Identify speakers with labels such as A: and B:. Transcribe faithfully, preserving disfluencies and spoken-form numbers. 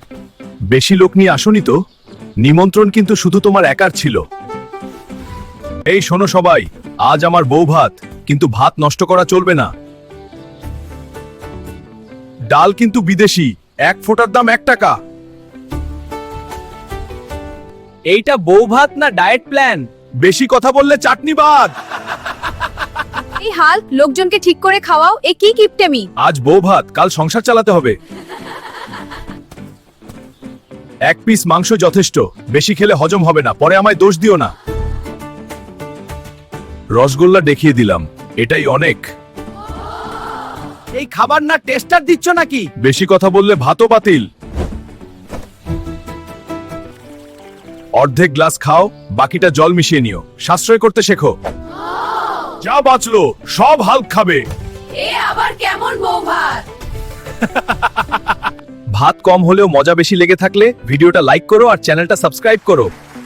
A: বেশি লোক নিয়ে আসনি তো? নিমন্ত্রণ কিন্তু শুধু তোমার একার ছিল। এই শোনো সবাই, আজ আমার বউ ভাত, কিন্তু ভাত নষ্ট করা চলবে না। ডাল কিন্তু বিদেশি, এক ফোঁটার দাম এক টাকা।
B: এইটা বউ ভাত না ডায়েট প্ল্যান?
A: বেশি কথা বললে চাটনি বাদ।
C: এই হাল, লোকজনকে ঠিক করে খাওয়াও, এ কি কিপটেমি?
A: আজ বউ ভাত, কাল সংসার চালাতে হবে। এক পিস মাংস যথেষ্ট, বেশি খেলে হজম হবে না, পরে আমায় দোষ দিও না। রসগোল্লা দেখিয়ে দিলাম, এটাই অনেক।
B: এই খাবার না টেস্টার দিচ্ছ নাকি?
A: বেশি কথা বললে ভাতও বাতিল। অর্ধেক গ্লাস খাও, বাকিটা জল মিশিয়ে নিও, সাশ্রয় করতে শেখো। যা বাঁচলো সব হাল্ক খাবে।
C: এ আবার কেমন বউ ভাত?
A: ভাত কম হলেও মজা বেশি লেগে থাকলে ভিডিওটা লাইক করো আর চ্যানেলটা সাবস্ক্রাইব করো।